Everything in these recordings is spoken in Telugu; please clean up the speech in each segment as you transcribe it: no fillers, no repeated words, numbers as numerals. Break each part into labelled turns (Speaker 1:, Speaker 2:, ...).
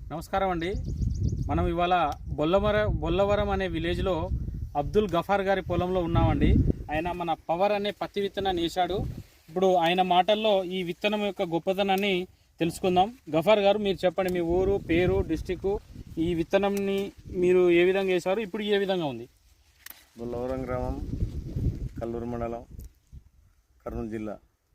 Speaker 1: నమస్కారం అండి. మనం ఇవాళ బొల్లవరం అనే విలేజ్లో అబ్దుల్ గఫార్ గారి పొలంలో ఉన్నామండి. ఆయన మన పవర్ అనే పత్తి విత్తనాన్ని వేశాడు. ఇప్పుడు ఆయన మాటల్లో ఈ విత్తనం యొక్క గొప్పతనాన్ని తెలుసుకుందాం. గఫార్ గారు, మీరు చెప్పండి, మీ ఊరు, పేరు, డిస్టిక్, ఈ విత్తనంని మీరు ఏ విధంగా వేశారు, ఇప్పుడు ఏ విధంగా ఉంది?
Speaker 2: బొల్లవరం గ్రామం, కల్లూరు మండలం, కర్నూలు జిల్లా.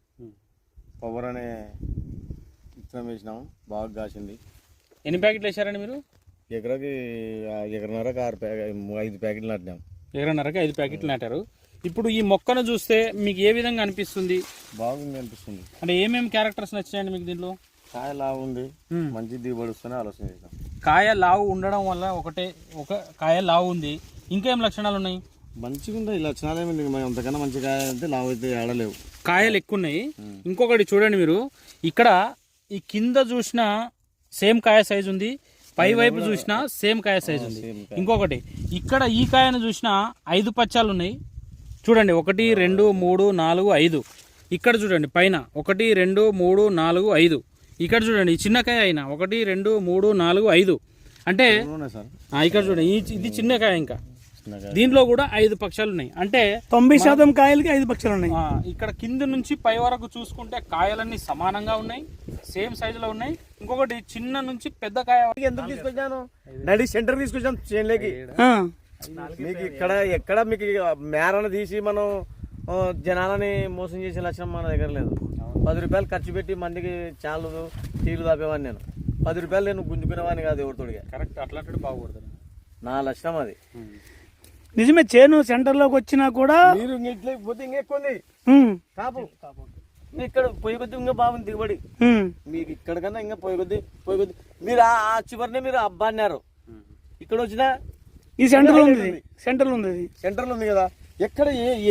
Speaker 2: పవర్ అనే విత్తనం వేసినాము, బాగా కాసింది.
Speaker 1: ఎన్ని ప్యాకెట్లు వేశారండి మీరు?
Speaker 2: ఎకరాకి ఎకరన్నరకు 5 ప్యాకెట్లు నాటినాం.
Speaker 1: ఎకరన్నరకి 5 ప్యాకెట్లు నాటారు. ఇప్పుడు ఈ మొక్కను చూస్తే మీకు ఏ విధంగా అనిపిస్తుంది?
Speaker 2: బాగుంది అనిపిస్తుంది.
Speaker 1: అంటే ఏమేమి క్యారెక్టర్స్ నచ్చాయండి మీకు దీంట్లో?
Speaker 2: కాయ లావు ఉంది, మంచి దిగుబడి వస్తూనే ఆలోచన చేసాం.
Speaker 1: కాయ లావు ఉండడం వల్ల ఒక కాయ లావు ఉంది, ఇంకేం లక్షణాలు ఉన్నాయి?
Speaker 2: మంచిగా ఉంది. ఈ లక్షణాలు ఏమి అంతకన్నా మంచి కాయ అంటే లావు అయితే ఆడలేవు,
Speaker 1: కాయలు ఎక్కువ ఉన్నాయి. ఇంకొకటి చూడండి, మీరు ఇక్కడ ఈ కింద చూసినా సేమ్ కాయ సైజు ఉంది, పై వైపు చూసినా సేమ్ కాయ సైజు ఉంది. ఇంకొకటి ఇక్కడ ఈ కాయను చూసినా 5 పచ్చాలు ఉన్నాయి చూడండి, 1 2 3 4 5. ఇక్కడ చూడండి పైన 1 2 3 4 5. ఇక్కడ చూడండి ఈ చిన్న కాయ అయినా 1 2 3 4 5. అంటే ఇక్కడ చూడండి ఇది చిన్న కాయ, ఇంకా దీంట్లో కూడా 5 పక్షాలు ఉన్నాయి. అంటే
Speaker 3: 90% కాయలకి 5 పక్షాలు ఉన్నాయి.
Speaker 1: ఇక్కడ కింద నుంచి పై వరకు చూసుకుంటే కాయలన్నీ సమానంగా ఉన్నాయి, సేమ్ సైజులో ఉన్నాయి. ఇంకొకటి చిన్న నుంచి పెద్ద కాయ
Speaker 2: ఎందుకు తీసుకొచ్చాను, నడి సెంటర్ తీసుకొచ్చాను చేనులోకి. మీకు ఎక్కడ మీకు మేరను తీసి మనం జనాలని మోసం చేసే లక్షణం మన దగ్గర లేదు. 10 రూపాయలు ఖర్చు పెట్టి మందికి చాలు టీలు తాపేవాడిని నేను. 10 రూపాయలు నేను గుంజుకునేవాడిని కాదు ఎవరితోడిగా.
Speaker 1: కరెక్ట్, అట్లాంటి బాగుపడుతుంది.
Speaker 2: నా లక్షణం అది.
Speaker 3: నిజమే, చేను సెంటర్ లోకి వచ్చినా కూడా
Speaker 2: మీరు ఇట్లా పోతే ఇంకా ఎక్కువ ఉంది కాపు. ఇక్కడ పొయ్యి కొద్ది ఇంకా బాగుంది దిగుబడి. మీకు ఇక్కడ కన్నా ఇంకా పొయ్యి కొద్ది మీరు ఆ చివరినే మీరు అబ్బా అన్నారు. ఇక్కడ వచ్చినా
Speaker 3: ఈ సెంటర్ లో ఉంది, సెంటర్ లో ఉంది,
Speaker 2: సెంటర్ లో ఉంది కదా. ఎక్కడ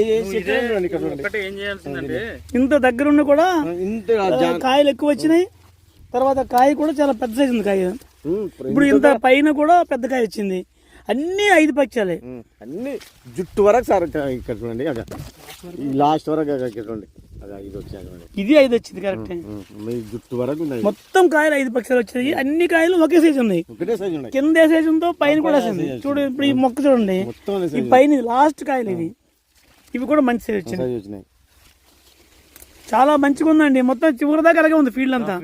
Speaker 1: ఏం చేయాల్సిందంటే
Speaker 3: ఇంత దగ్గర ఉన్న కూడా కాయలు ఎక్కువ వచ్చినాయి. తర్వాత కాయ కూడా చాలా పెద్ద సైజు ఉంది కాయ. ఇప్పుడు ఇంత పైన కూడా పెద్ద కాయ వచ్చింది. అన్ని 5 పక్షాలే,
Speaker 2: అన్ని జుట్టు వరకు సార్. ఇక్కడ చూడండి, ఈ లాస్ట్ వరకు చూడండి,
Speaker 3: ఇది 5 వచ్చింది కరెక్ట్.
Speaker 2: జుట్టు వరకు
Speaker 3: మొత్తం కాయలు 5 పక్షాలు వచ్చినాయి. అన్ని కాయలు ఒకే సైజు ఉన్నాయి. కింద ఏ సైజు ఉందో పైన కూడా ఉంది. చూడు ఇప్పుడు ఈ మొక్క చూడండి, ఈ పైన లాస్ట్ కాయలు ఇవి కూడా మంచి సైజు వచ్చినాయి. చాలా మంచిగా ఉందండి. మొత్తం చివరి దాకా అలాగే ఉంది ఫీల్డ్ అంతా.